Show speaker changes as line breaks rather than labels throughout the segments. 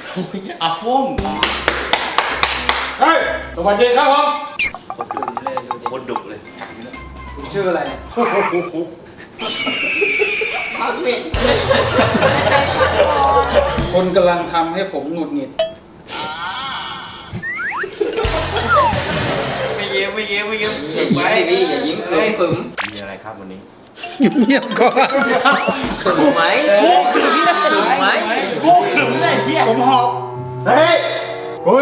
อาฟง
เฮ้ยสวัสดีครับผม
คนดุเลย
คุณชื่ออะไร
พักเม็ด
คนกำลังทำให้ผมหงุดหงิด
ไม่เย้
อย่ายิ้มดิอย่ายิ้มขึม
มีอะไรครับวันนี้
เงียบก่อน
ขึมไหมขึมไหม
กูขึมเลยเฮีย
ผมหอบเฮ้ยคุณ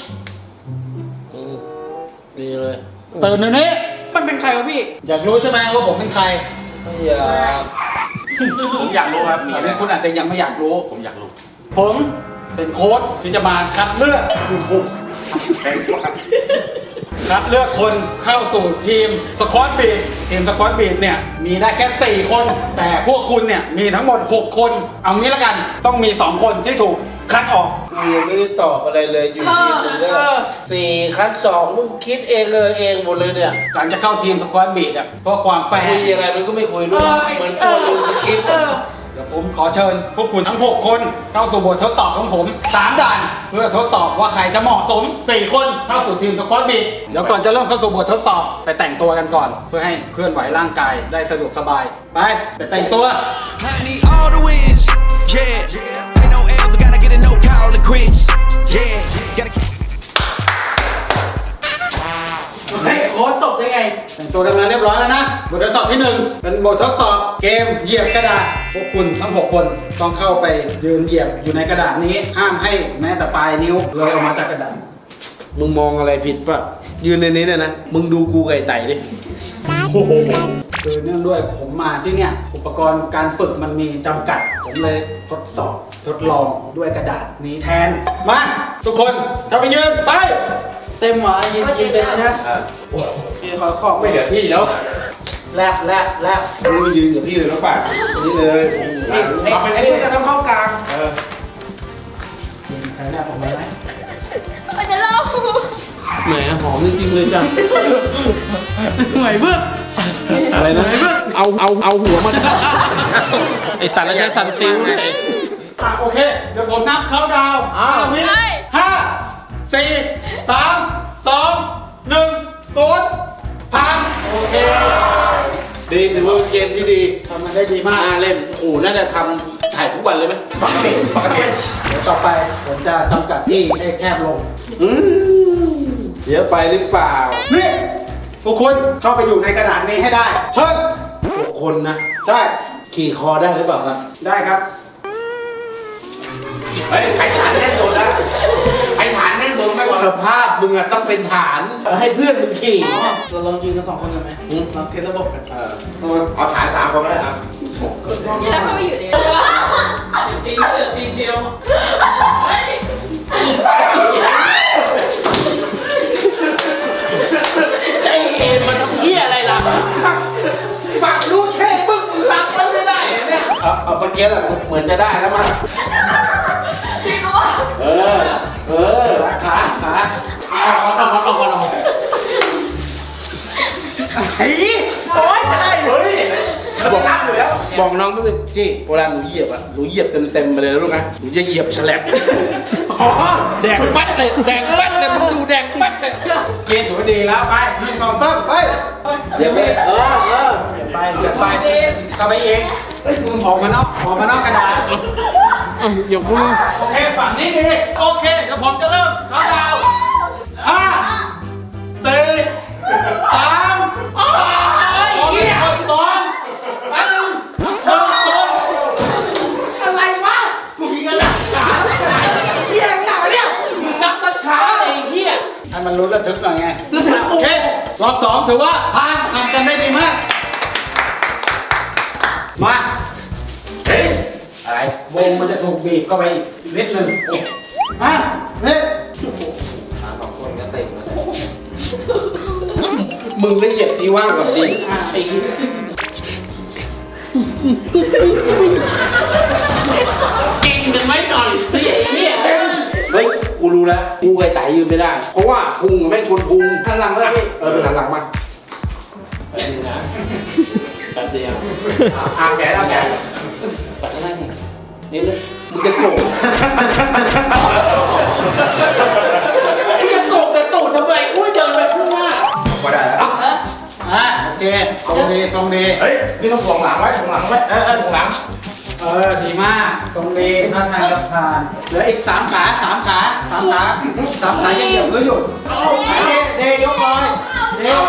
ดีเลย
ตื่นเดี๋ยวนี้
มันเป็นใครวะพี่
อยากรู้ใช่ไหมว่าผมเป็นใคร
ไม่อยาก
ผมอยากรู้ครับมี
ตอน
อะไร
นี้คุณอาจจะยังไม่อยากรู้
ผมอยากรู้
ผมเป็นโค้ชที่จะมาคัดเลือก
แข่งกัน
คัดเลือกคนเข้าสู่ทีมสควอตบีททีมสควอตบีทเนี่ยมีได้แค่ 4 คน แต่พวกคุณเนี่ยมีทั้งหมด 6 คน เอางี้ละกันต้องมี 2 คนที่ถูกคัดออก
กูยังไม่ได้ตอบอะไรเลยอยู่ดีมึงก็4 คัด 2มึงคิดเองหมดเลยเนี่ย
หลังจะเข้าทีมสควอตบีทอ่ะเพราะความแฟร์
คุยยังไงมันก็ไม่คุยด้วยเหมือนตัวดูสคริปต์
เดี๋ยวผมขอเชิญพวกคุณทั้ง 6 คนเข้าสู่บททดสอบของผม 3 ด่าน เพื่อทดสอบว่าใครจะเหมาะสม 4 คนเข้าสู่ทีมสควอตบีทเดี๋ยวก่อนจะเริ่มเข้าสู่บททดสอบไปแต่งตัวกันก่อน เพื่อให้เคลื่อนไหวร่างกายได้สะดวกสบายไปแต่งตัว
I need all the wins, yeah. Ain't no L's, I gotta get a no call to quits, yeah. Gotta keep.
เฮ้ยโค้ชตกได้ไง
แต่งตัวกันมาเรียบร้อยแล้วนะ บททดสอบที่ 1 เป็นบททดสอบเกมเหยียบกระดาษ พวกคุณทั้ง 6 คนต้องเข้าไปยืนเหยียบอยู่ในกระดาษนี้ ห้ามให้แม้แต่ปลายนิ้วเลยออกมาจากกระดาษ
มึงมองอะไรผิดป่ะยืนในนี้เนี่ยนะมึงดูกูไก่ไต่ดิ
คือเนื่องด้วยผมมาที่เนี่ยอุปกรณ์การฝึกมันมีจำกัด ผมเลยทดสอบทดลองด้วยกระดาษนี้แทน มาทุกคนเข้าไปยืนไป
เต็มหรอยืนเต็มเลยนะพี่ขอขอบ
ไม่เหลือที่แล้ว
แลบ
มึงยืนกับพี่เลยน้องป่านี่เลย
ไอ้พี่จะต้องเข้ากลาง
ใครแลบผมไหม
มันจะเล่า
แหมหอมจริงๆเลยจ้ะหน่วยเบื้องอะไรนะเอาหัวมันไอสัตว์แล้วใช้สันซิลเลย
โอเค เดี๋ยวผมนับเขาดาว5 วิ5 4 3 2 1 0ผ่านโอเค
ดีถือว่าเกมที่ดี
ทำมันได้ดีมาก
น่าเล่นโอ้น่าจะทำถ่ายทุกวันเลยไหม
ปกติ
เดี๋ยวต่อไปผมจะจำกัดที่ให้แคบลง
เดี๋ยวไปหรือเปล่า
นี่ทุกคนเข้าไปอยู่ในกระดาษนี้ให้ได้เชิญ
6 คนนะ
ใช่
ขี่คอได้หรือเปล่าครับ
ได้ครับ
เฮ้ยใครฐานแน่นโดนนะใครฐานแน่นโดนไม่กว่า
สภาพมึงอะต้องเป็นฐานให้เพื่อนมึงขี่
เราลองยืนกัน2 คนกันไหมลองเทสระบบกัน
เอาฐาน3 คนก็ได้ครับ
นี่เราเข้าไปอยู่ใน
ทีเดียว
ใจเอ็นมันทำเหี้ยอะไรล่ะฝังลูกแค่ปึ๊กหลับมันไม่ได้เนี่ยเอาเมื่อกี้แหละเหมือนจะได้แล้วมั้ง
เออ
ขาเอาก่อน
เฮ้ยโอ๊ยจะได้เฮ้ยเราบอกน้ำอยู่แล้ว
บอกน้องก็เลยจี้เวลาหนูเหยียบอะหนูเหยียบเต็มๆไปเลยนะลูกนะหนูจะเหยียบแฉลบแดงปัดเลยมึงดูแดงปัดเลย
เกณฑ์ถือว่าดีแล้วไป1 2 3ไป
เดี๋ยวไม่
เหยียบไปเข้าไปเองออกมานอกกระดาษ
อย่าพูด
โอเคฝั่งนี้ดีโอเคเดี๋ยวผมจะเริ่มเขาดาว5 4 3 2 1
อะไรวะมึงมีกันหลักฐานอะไรเหี้ยหนาเนี่ยมึงนับช้าไอ้เหี้ย
ให้มันรู้ระทึกหน่อยไงโอเครอบ 2ถือว่าผ่านทำกันได้ดีมากมาอะไรวงมันจะถูกบีบเข้าไปอีกนิดนึงมานี่
คนก็เต็มแล้วมึงก็เหยียบที่ว่างก่อนดิไอ้กินกันไหมหน่อยสิไอ้เนี่ยเฮ้ยกูรู้แล้วกูไก่ไต่ยืนไม่ได้ เพราะว่าพุงไม่ชนพุง
หันหลังเลยพี่
ไปหันหลังมาไปดูนะแป๊บเดียว
เอาแขน
ไปข้างหน้านิดนึง
มึงจะโกรธ
จะตกแต่ตูดทำไมอุ้ยเดินไปข้างหน้าก็ได้แล้ว
โอเคทรงดีทรงดี
เฮ้ยนี่ต้องถ่วงหลังไว้ถ่วงหลังไว้ถ่วงหลัง
ดีมากทรงดีท่าทางจะผ่านเหลืออีก3 ขา3 ขา3 ขา3 ขายังเหยียบก็หยุดเดยกเลยเดย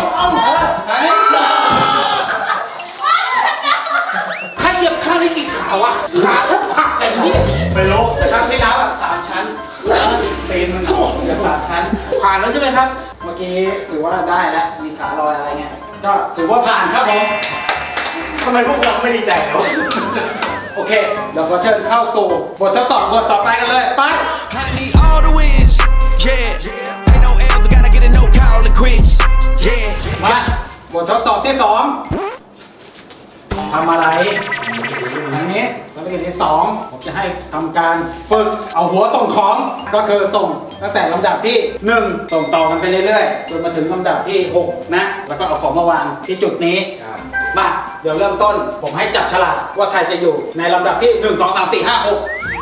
ข้าเหยียบข้างนี้กี่ขาวะขาถ้าผักไอ้เนี่ย
ไปลบแต่ครั้งที่แล้ว3 ชั้นตีนมันเหยียบ3 ชั้นผ่านแล้วใช่ไหมครับเมื่อกี้ถือว่าได้แล้วมีขาลอยอะไรเงี้ยก็ถือว่าผ่านครับผม
ทำไมพวกเราไม่ดีใจเลยวะ
โอเคเดี๋ยวขอเชิญเข้าสู่บททดสอบบทต่อไปกันเลยไป
I need all the wins, yeah. Ain't no L's, I gotta get a no call and quits, yeah.
มาบททดสอบที่ 2ทำอะไรอันนี้ภารกิจที่ 2ผมจะให้ทำการฝึกเอาหัวส่งของก็คือส่งตั้งแต่ลำดับที่ 1 ส่งต่อกันไปเรื่อยๆจนมาถึงลำดับที่ 6 นะแล้วก็เอาของมาวางที่จุดนี้มาเดี๋ยวเริ่มต้นผมให้จับฉลากว่าใครจะอยู่ในลำดับที่ 1 2 3 4 5 6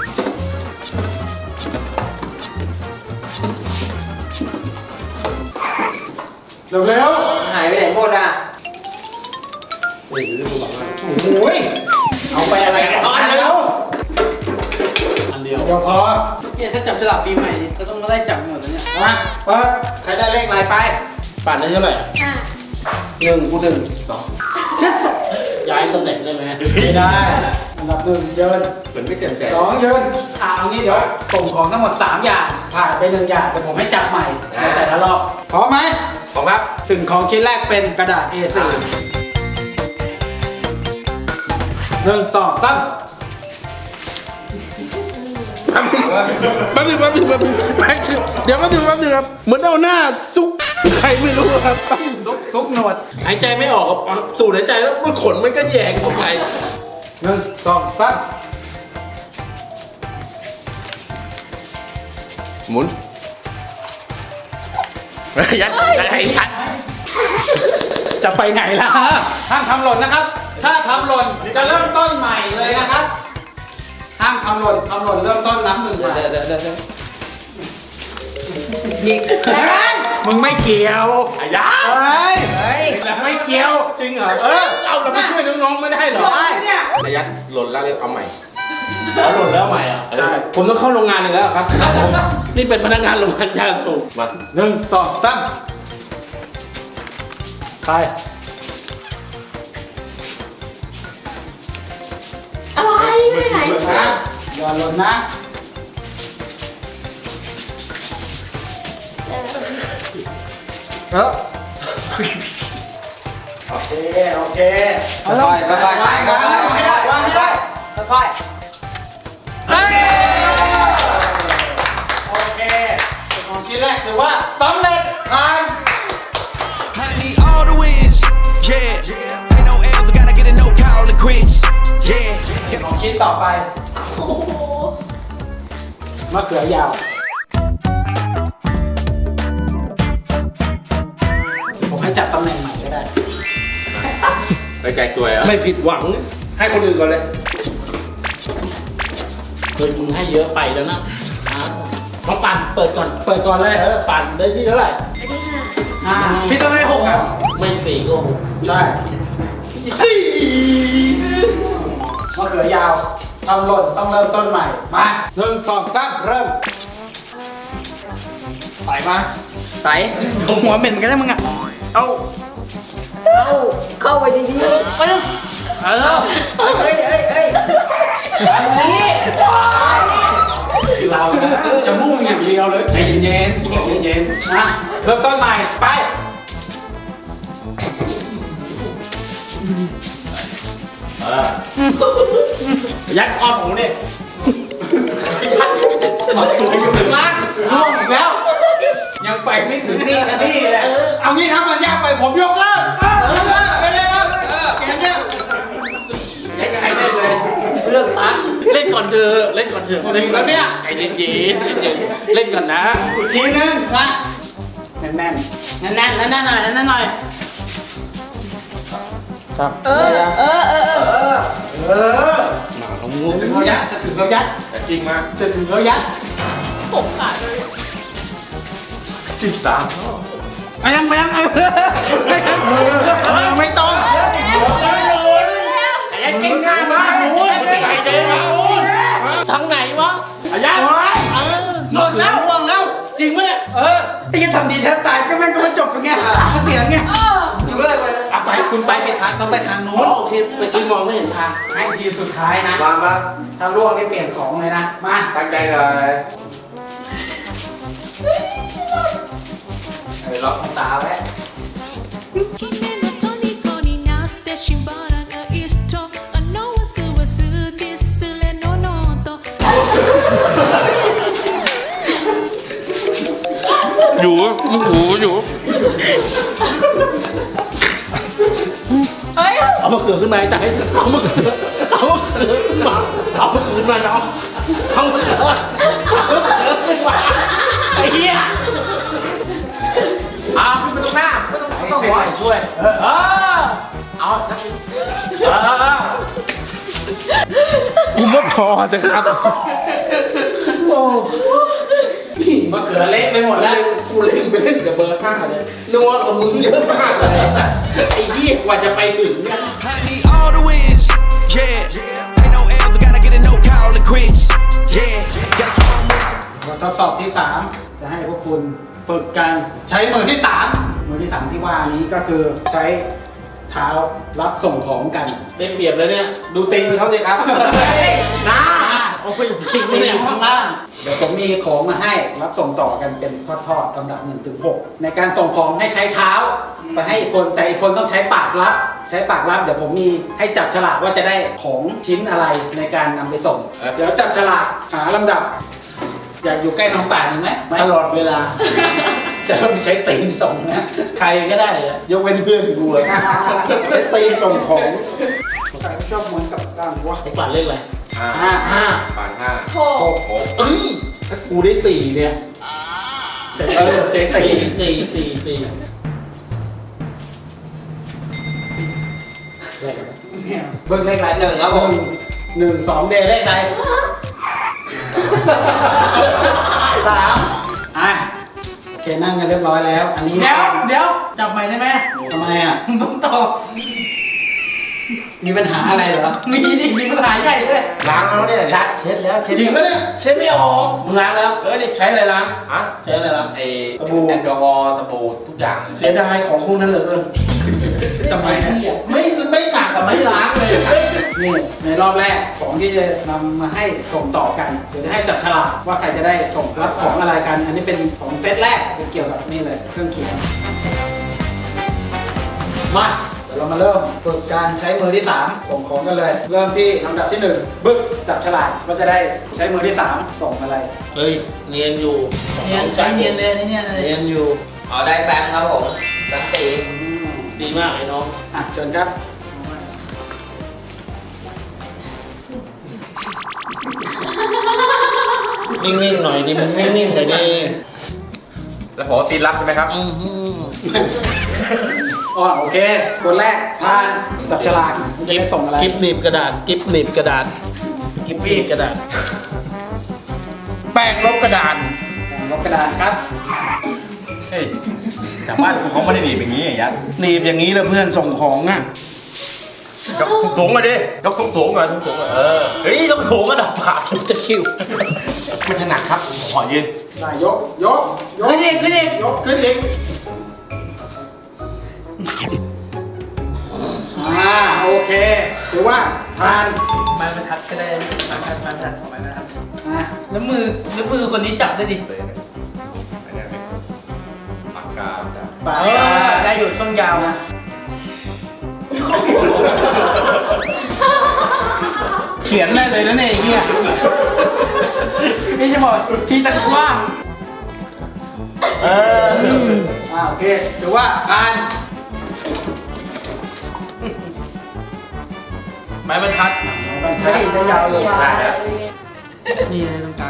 เร็ว
หายไปไหนหมดอ่ะ
ๆโอ้ยเอาไปอะไรกันอันเดียว
อันเดียว
เดี๋ยวพอ
เนี่ยถ้าจับฉลากปีใหม่นี่ก็ต้องมาไล่จับหมดแล้วเนี่ย
มาเปิดใครได้เลขอะไรไป
ปั่นได้เท่าไหร่
1 กู 1
ย้ายตำแหน่งได้ไหม
ไม่ได้อันดับ 1 เดิน
เหมือนไม่เต็มใจ
2 ยืนเอางี้เดี๋ยวส่งของทั้งหมด 3 อย่างผ่านไป1 อย่างเดี๋ยวผมให้จับใหม่ในแต่ละรอบพร้อมไหม
ของครับ
สิ่งของชิ้นแรกเป็นกระดาษ A4 1 2 3
แป๊บนึงเดี๋ยวแป๊บนึงครับเหมือนเอาหน้าซุกใครไม่รู้ครับ
ซุกหนวด
หายใจไม่ออกครับสูดหายใจแล้วมันขนมันก็แยงเข้าไป
1 2 3
หมุนยัด
จะไปไหนล่ะห้ามทำหล่นนะครับ ถ้าทำหล่นจะเริ่มต้นใหม่เลยนะครับห้ามทำหล่นเริ่มต้นนับ 1
เดี๋ยว
นี่แล้วกัน
มึงไม่เกี่ยว
อายา
เฮ้ย
เฮ้ย
ไม่เกี่ยวจริงเหรอ
เอาเราไปช่วยน้องๆไม่ได้เหรอ
เนี่ย
ระยัดหล่นแล้วเรียกเอาใหม่
หล่นแล้วใหม่อ่ะ
ใช่ผมต้องเข้าโรงงานอีกแล้วครับนี่เป็นพนักงานโรงงานยาสูบมา
1 2 3ไป
อะไรไปไหน
นะอย่าหล่นนะโอเค
ค่อยๆค่อยๆค่อยๆค่อย
โอเคของชิ้นแรกถือว่าสำเร็จผ่าน
I need all the wins, yeah. Ain't no L's, I gotta get a no call and quits, yeah.
ของชิ้นต่อไป
โอ้โห
มะเขือยาว ผมให้จับตำแหน่งใหม่ก็ได้
ไปใจสวยอ่ะ
ไม่ผิดหวังให้คนอื่นก่อนเลยเคยมึงให้เยอะไปแล้วนะมาปั่นเปิดก่อน
เปิดก่อนเลย
ปั่นได้ที่เท่าไหร่
อันที่ห้า
พี่ต้องให้6อ่ะ
ไม่สี่ก็หก
ใช่มะเขือยาวทำหล่นต้องเริ่มต้นใหม่ มา1 2 3เริ่มไปมา
ใส่หัวเหม็นกันได้มึงอ่ะ
เข้าไปดีๆไปเลย
เฮ้ย
อันนี้เรานะจะมุ่งอย่างเดียวเลยใจเย็นๆนะเริ่มต้นใหม่ไป
ยัดอ้อมผมนี่
มาสวยอยู่ล่างร่วงอีกแล้ว ยังไปไม่ถึงนี่นะนี่แหละเอางี้ถ้ามันยากไปผมยกเลิกไปเลยครับเกมเนี้ยยังใช้ได้เลย
เรื่องตัดเล่นก่อนเถอะเล่นก่อนเถอะเล่นก่อนเนี่ยไอ้เย็นเล่นก่อนนะ
อีกทีนึงมาแน่น
แน่นหน่อย
ครับ
เออ
ถึงเรายัดจะถึงเรายัด
จจริงมา
จะถึงแล้วยัด
ผมขาดเลย
13
ไปยังไปยังไปยัง
ไม่ต้อง
ไอ้ยัดเก่งง่ายมากโอ้ยไอ้เจ๊โอ้ย
ทางไหนวะ
ไอ้ยัดหมดแล้วหมดแล้วจริงไหมเนี่ย
ไอ้ยังทำดีแทบตายก็แม่งก็ไม่จบกันไงก็เสียงไง
อยู่อะไรไป
อ่ะไปคุณไปผิดทางต้องไปทางนู้น
โอเคไปกินมองไม่เห็นทาง
ให้ทีสุดท้ายนะ
มา
ถ้าล่วงนี่เปลี่ยนของเลยนะ มา
ตั้งใจเลย
ล็อกตาไว้
君の虜になってしまらない人あの忘れすれのノート
อยู่มึงหูอยู่
เฮ้ย
เอามะเขือขึ้นมาใจเอามะเขือขึ้นมาเอามะเขือขึ้นมาเนาะเอามะเขือขึ้นมาไอ้เหี้ยเอาขึ้นไปตรงหน้าไม่ต้องหัวช่วยเอากูไม่พอจะครับโอ้
มะเขือเละไปหมดแล้ว
กูเล่นไปเล่นกับเบอร์5เลยนัวกับมึงเยอะมากเลยไอ้เหี้ยกว่าจะไปถึงเนี่ย
I need all the wins, yeah. Ain't no L's, I gotta get a no call and quits, yeah. Gotta keep on moving.
บททดสอบที่ 3 จะให้พวกคุณฝึกกันใช้มือที่ 3 มือที่ 3 ที่ว่านี้ก็คือใช้เท้ารับส่งของกัน
ได้เปรียบเลยเนี่ย ดูตีนเขาสิครับ
น้าโอ้ยจริงเนี่ยข้างล่างเดี๋ยวผมมีของมาให้รับส่งต่อกันเป็นทอดๆลำดับ1 ถึง 6ในการส่งของให้ใช้เท้าไปให้อีกคนแต่อีกคนต้องใช้ปากรับ ใช้ปากรับเดี๋ยวผมมีให้จับฉลากว่าจะได้ของชิ้นอะไรในการนำไปส่ง เดี๋ยวจับฉลากหาลำดับ อยากอยู่ใกล้น้องป่านี่ไหม
ตลอดเวลา
จะต้องใช้ตีนส่งนะ ใครก็ได้เลยยกเว้นเพื่อนกูอะ
ใช้ตีนส่งของ
ใครก็ชอบเหมือนกับก้างวะ
ไอ้ปั่นเล่นอะไร
ห้า
ปั่น5
โห
6เอ้ยถ้ากูได้4เนี่ย
เจ๊ตี
4
เบิ้งเลขไร1ครับผม1 2เดย์เลขใด3อ่ะโอเคนั่งกันเรียบร้อยแล้ว อันนี้
เดี๋ยวจับใหม่ได้ไหม
ทำไมอ่ะ
มึงต้องตอบ
มีปัญหาอะไรเหรอ
มีดิมีปัญหาใหญ่ด้วย
ล้างแล้วเนี่ยยัดเช็ดแล้วเช็ด
จริงปะเนี่ย
เช็ดไม่ออก
มึงล้างแล้ว
นี่
ใช้อะไรล้าง
อะ
ใช้อะไรล้าง
ไอ้สบู่แอลกอฮอล์สบู่ทุกอย่างเสียดายของพวกนั้นเหลือเกิน
ทำไมฮะ
ไม่ต่างกับไม่ล้างเลย
นี่ในรอบแรกของที่จะนำมาให้ส่งต่อกันเดี๋ยวจะให้จับฉลากว่าใครจะได้ส่งรับของอะไรกัน อันนี้เป็นของเซตแรกเป็นเกี่ยวกับนี่เลยเครื่องเขียนมาเดี๋ยวเรามาเริ่มฝึกการใช้มือที่3ส่งของกันเลย เริ่มที่ลำดับที่1บึ๊กจับฉลากว่าจะได้ใช้มือที่3ส่งอะไร
เฮ้ยเนียนอยู่
เนียนใช้เนียนเลยนี่เนี่ยเลย
เนียนอยู่
เอาได้แฟงครับผมแฟงตี
ดีมากเลยน้อง
อ่ะเชิญครับ
นิ่งๆหน่อยดิมึงนิ่งๆหน่อยดิแล้วผมตีรับใช่ไหมครับ
อ๋อโอเคคนแรกผ่านจับฉลากมันจะได้ส่งอะไร
กิฟหนีบกระดาษกิฟหนีบกระดาษกิฟหนีบกระดาษ แป้งลบกระดาษ
ลบกระดาษครับ
เฮ้ยแต่บ้านกูเขาไม่ได้หนีบอย่างนี้ยัด
หนีบอย่างนี้แล้วเพื่อนส่งของอ่ะ
ยกสูงมาดิยกสูงก่อนสูงเออเฮ้ยต้องสูงระดับปากจะคิวมันจะหนักครับผมขอยืน
ได้ยกขึ้นอีกยกขึ้นอีกโอเคถือว่าผ่าน
ไม้บรรทัดก็ได้ไม้บรรทัดของไม้บรรทัด
อ่ะ
แล้วมือคนนี้จับได้ดิ
ปากกา
ปาก
ได้อยู่ช่วงยาวนะ
เขียนได้เลยนะเนี่ยไอ้เนี่ย
นี่จะบอกทีตะกว้าง
โอเคถือว่าผ่าน
ไม้บรรทัด
ไม่ได้จะยาวเลย
ได้แล้ว
นี่เลยตรงกลาง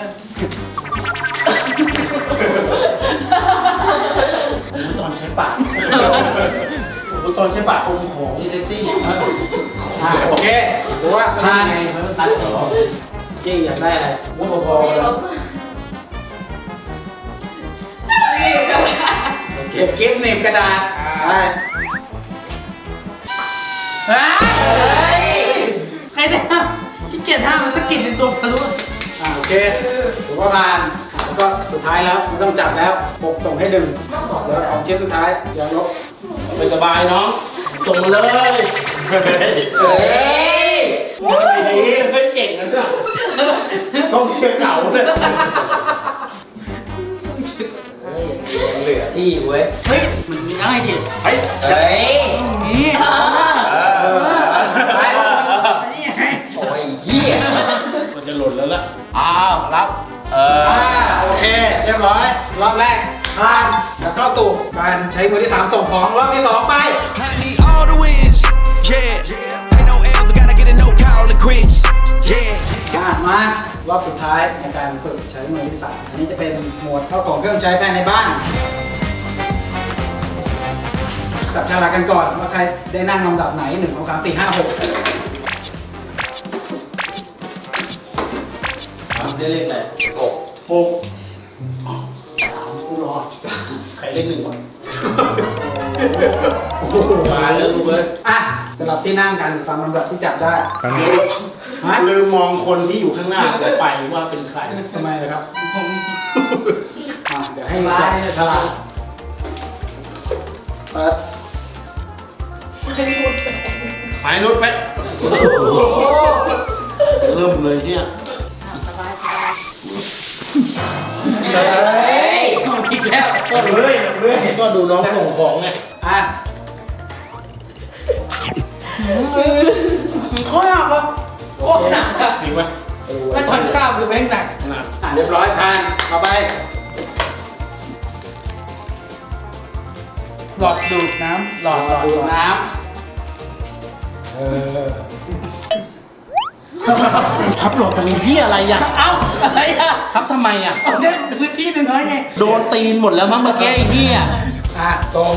ตอนใช้ปากตอนใช้ปากอมของนี่เซ็กซี่
โอเคถือว่าผ่าน
ไม้บรรทัดเหรอ
จี้อยากได้อะไร
วุ้นพอๆเลย
เก็บกิ๊บหนีบกระดาษไป
ใครจะขี้เกียจห้ามมันสะกิดในตัวทะลุ
โอเคถือว่าผ่านแล้วก็สุดท้ายแล้วไม่ต้องจับแล้วปกส่งให้ดึงแล้วของชิ้นสุดท้ายอย่ายก
ไปสบายน้องส่งมาเลย
เฮ้ย
ดีไม่เก่งนะเนี่ยต้องเชื่อเก่าเลย
เหลือที่เว้ย
เฮ้ยมันไม่ได้ดิ
เฮ้ย
เฮ้ย
นี่ไปนี่ไง
โอ้ยเหี้ย
มันจะหล่นแล้วล่ะ
อ้าวรับ
โอเคเรียบร้อยรอบแรกผ่านแล้วก็สู่การใช้มือที่ 3 ส่งของรอบที่ 2 ไป
I need all the wins, yeah. Ain't no L's, I gotta get a no call and quits, yeah.
มารอบสุดท้ายในการฝึกใช้มือที่ 3 อันนี้จะเป็นหมวดเข้าของเครื่องใช้ภายในบ้านจับฉลากกันก่อนว่าใครได้นั่งลำดับไหน 1 2 3 4 5 6
ได้เลขอะไรหกกูรอใครเลข1วะมาแล้วลูกเอ้ย
อ่ะสลับที่นั่งกันตามลำดับที่จับได้ฮะ
ลืมมองคนที่อยู่ข้างหน้าไปว่าเป็นใคร
ทำไมเลยครับเดี๋ยวให้จับฉลากเปิด
หายนุชไปเริ่มเลยเนี่ย
เฮ้ยอีกแล้ว
ก็เรื่อยก็ดูน้องส่งของไง
อ่ะข้อหนักปะ
โคตรหนักอะ
จริงไหม
ถ้าทอนข้าวคือแม่งหนัก
เรียบร้อยผ่านเอาไป
หลอดดูดน้ำหลอด
ดูดน้
ทับโหลดตรงนี้ที่อะไรอ่ะ
เอ้าอะไรอะ
ทับทำไมอ่ะ
เอาเนี่ยพื้นที่น้อยๆไง
โดนตีนหมดแล้วมั้งเมื่อกี้ไอ้เหี้ย
ำตรง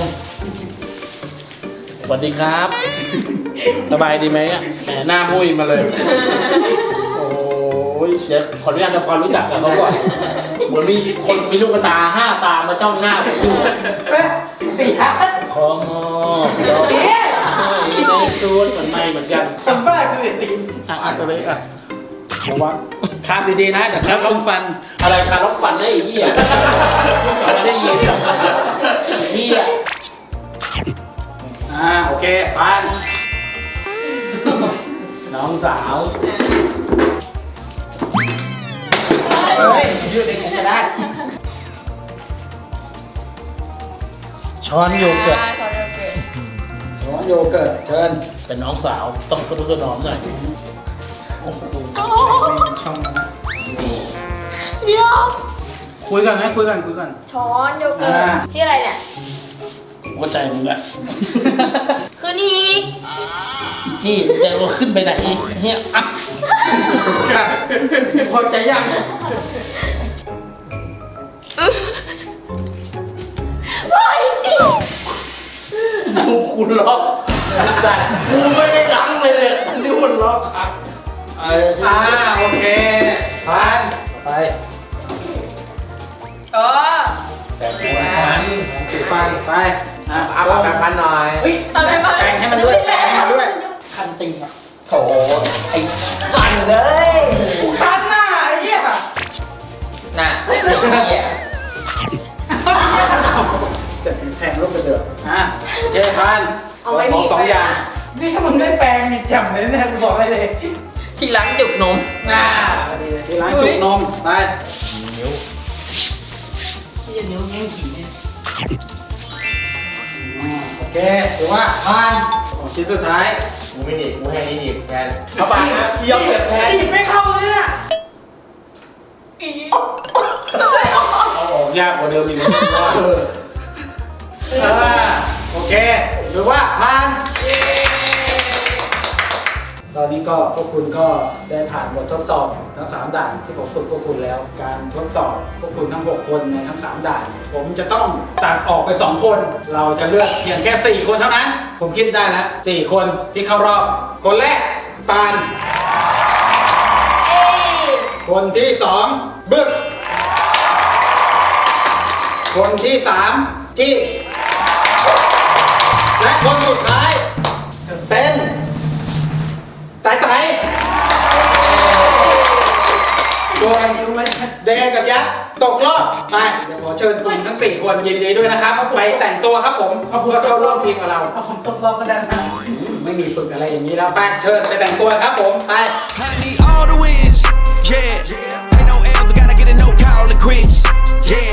สวัสดีครับ สบายดีไหมอ่ะแหมหน้ามุ้ยมาเลย โอ้ยเดี๋ยวขออนุญาตทำความรู้จักกับเขาก่อนเหมือนมีคนมีลูกตา5 ตามาจ้องหน้าผมอยู่
ปีฮะ
ขอมอบดอกไม้ในสวนเหมือนไม่เหมือนกัน
ทำบ้าคือตีน
อ่ะตัวเล็กอ่ะ
ระวังคาบดีๆนะเดี๋ยวครับลงฟัน
อะไรคาล็อกฟันได้ไอ้เหี้ยไม่ได้ยินไอ้เหี้ย
โอเคผ่าน
น้องสาว
เฮ้ยยืดเองก็ได้
ช้อนโยเกิร์ต
ร้อนโยเกิร์ตเชิญ
เป็นน้องสาวต้องกระดุกกระหนอมหน่อยโอ้โห
ช่องนะ
เดี๋ยว
คุยกันไหมคุยกัน
ช้อนโยเกิร์ตชื่ออะไรเนี่ย
หัวใจมึงแหละ
คือนี่
จี้จะว่าขึ้นไปไหนเนี่ยอ่ะพอใจยัง ดูคุณล็อกแต่กูไม่ได้ล้างเลยเนี่ยอันนี้มันล็อกครับ
โอเคผ่านไป
เออ
แต่หัวฉัน
สีฟันไปเอา
ปากกันหน่อย
เฮ้ย
อะไรมา
แปรงให้มันด้วยแปรงให้มันด้วย
คันติงอ่ะ
โถไอ้สั่นเลย
คันหน้าไอ้เหี้ย
น่ะไอ้เหี้ย
จะแทงลูกกระเดือกโอเคผ่าน
เอาไว้มี
สองอย่าง
นี่ถ้ามึงได้แปลงนี่จำเลยเนี่ยกูบอกให้เลย
ที่ล้างจุกนม
ที่ร้านจุกนมไป
นิ้ว
ที่จะนิ้วแง่งขี่เนี่ย
โอเคถือว่าผ่านของชิ้นสุดท้าย
กูไม่หนีบกูให้นี่หนีบแทนเข้าไปนะยอมเก็บแทน
ไม่เข้าเลยน่ะ
เอาออกยากกว่าเดิมอีกนะ
โอเคหรือว่าผ่านตอนนี้ก็พวกคุณก็ได้ผ่านบททดสอบทั้ง 3 ด่านที่ผมฝึกพวกคุณแล้ว การทดสอบพวกคุณทั้ง 6 คนในทั้ง 3 ด่าน ผมจะต้องตัดออกไป 2 คน เราจะเลือกเพียงแค่ 4 คนเท่านั้น ผมคิดได้แล้ว 4 คนที่เข้ารอบ คนแรกปาน
เอ้ย
คนที่สองบึกคนที่สามจี้และคนสุดท้ายเป็นไต่โดยเดกับยักษ์ตกรอบไปเดี๋ยวขอเชิญคุณทั้ง 4 คนยินดีด้วยนะครับไปแต่งตัวครับผมเพื่อเข้าร่วมทีมกับเรา
เอาผมตกรอบก็ได้นะ
ไม่มีฝึกอะไรอย่างนี้แล้วไปเชิญไปแต่งตัวครับผมไป
I need all the wins, yeah. Ain't no L's, I gotta get a no call and quits, yeah.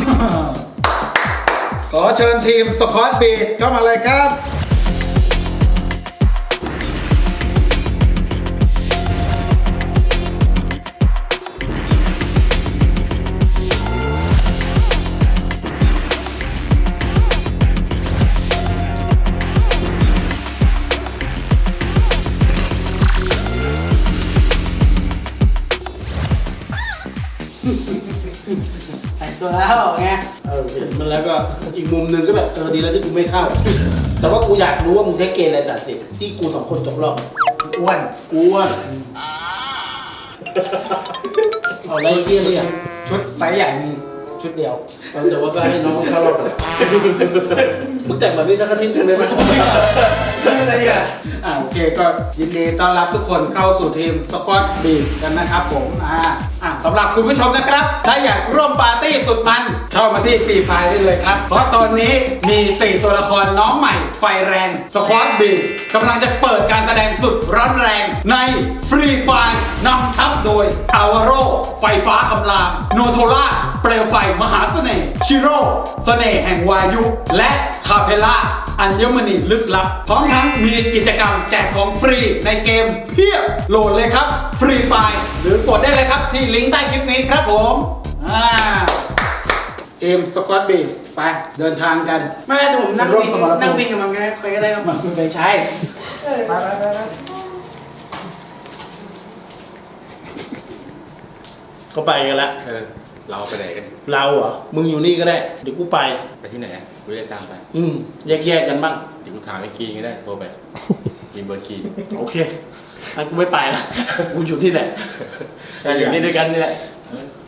ขอเชิญทีมสควอตบีทเข้ามาเลยครับ
แต่งตัวแล้วไง
เห็นมันแล้วก็อีกมุมหนึงก็แบบดีแล้วที่กูไม่เข้า แต่ว่ากูอยากรู้ว่ามึงใช้เกณฑ์อะไรตัดสินที่กู2 คนตกรอบ
อ้วน
กูว่าเอาอะไรเกี้ยเนี่ย
ชุดไซส์ใหญ่มีชุดเดียว
แต่ว่าก็ให้น้องเข้ารอบไปมึงแต่งแบบนี้สักอาทิตย์หนึงได้ไหม
อะไรอ่ะ
โอเคก็ยินดีต้อนรับทุกคนเข้าสู่ทีมสควอตบีทกันนะครับผมสำหรับคุณผู้ชมนะครับ ถ้าอยากร่วมปาร์ตี้สุดมันเข้ามาที่ฟรีไฟได้เลยครับ เพราะตอนนี้มี 4 ตัวละครน้องใหม่ไฟแรงสควอตบีทกำลังจะเปิดการแสดงสุดร้อนแรงในฟรีไฟนำทัพโดยอาวาโรไฟฟ้าคำรามโนโทล่าเปลวไฟมหาเสน่ห์ชิโร่เสน่ห์แห่งวายุ และคาเพล่าอัญมณีลึกลับ พร้อมทั้งมีกิจกรรมแจกของฟรีในเกมเพียบโหลดเลยครับฟรีไฟล์หรือกดได้เลยครับที่ลิงก์ใต้คลิปนี้ครับผมเกมสควอตบีทไปเดินทางกัน
ไม่ได้ผมนั่ง
ร่วม
วิ่ง
สมรภูมิ
นั่งวิ่งกับมันก็ได้ไปก็ได้ครับ
มันคุณไปใช้ไป
ก็ไปกันละ
เราไปไหนกัน
เราเหรอมึงอยู่นี่ก็ได้เดี๋ยวกูไป
ไปที่ไหนกูจะตามไป
แยกกันบ้าง
เดี๋ยวกูถามไอ้คีก็ได้โทรไปกินเบอร์คี
โอเคงั้นกูไม่ไปละกูอยู่ที่ไหน
อยู่นี่ด้วยกันนี่แหละ
โ